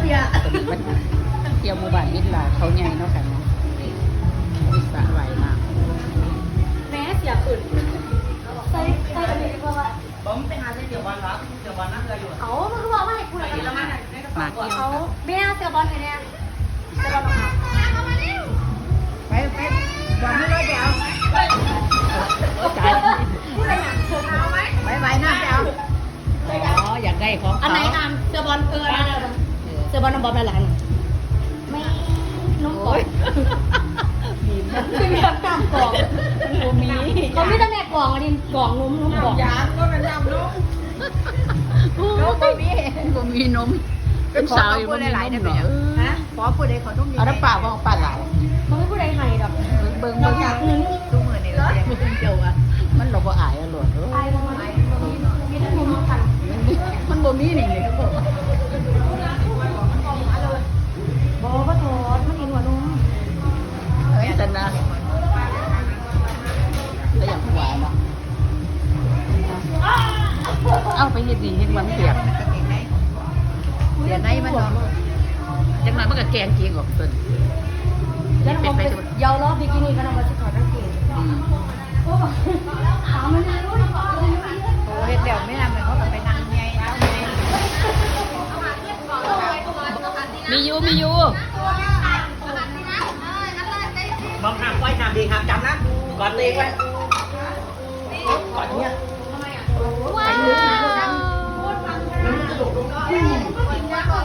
บียร์เที่ยวหมู่บ้านมิตรลาเขาใหญ่เนาะค่ะเนาะมีสระว่ายน้แม่เสียขึ้นใส่อันนี้ดีกว่าผมไปหาเดี๋ยววันรับเดี๋ยววันนั่งเลยอยู่เอามันคือว่าไม่ให้คุณอะไรกันมาำมาเที่ยวเขาเบี้ยเสียบอลไงเนี่ยเสียบอลมาไปวันนี้เลยเดี๋ยวจ่ายไปนั่งเดี๋ยวอ๋ออยากได้ของอันไหนอ่านเสียบอลเสียบอลน้ำบอลอะไรล่ะไม่น้องกอดคือมีแบบกล่องกล่องเขาไม่ได้แม่กล่องอันนี้กล่องนุ่มกล่องยางก็เป็นน้ำลูกนมบ่มีนมเป็นสาวอยู่บ่มีนมเนาะฮะขอพูดเลยขอนุ่มนี่เอาน้ำเปล่าบ่ปลาหลายเขาไม่พูดอะไรให้ดอกเบิ่งเราเบิ่งอยากนึงทุกมือนี่เลยเจ้าอ่ะมันเราบ่อายอ่ะโลดไอ้ประมาณมีทั้งมุมกันมันบ่มีนี่นี่ก็บ่บอกว่าโทษมันกินหัวนมเฮ้ยแต่นะแล้วอย่างหวานเนาะเอาไปเฮ็ดนี่เฮ็ดมันเปียกเดี๋ยวในมันเนาะจังนั้นมันก็แกงจริงออกต้นแล้วน้องไปยาวรอบบิกินี่ก็น้องมาสิถอดกางเกงอืมโอ้ถามมันรู้โอ้เฮ็ดเดี๋ยวไม่ทำเลยเขาไปนั่งไงแล้วไงมีอยู่มองหางไว้หางดีหางจำนะก่อนตีไว้ก่อนเนี้ยว้าว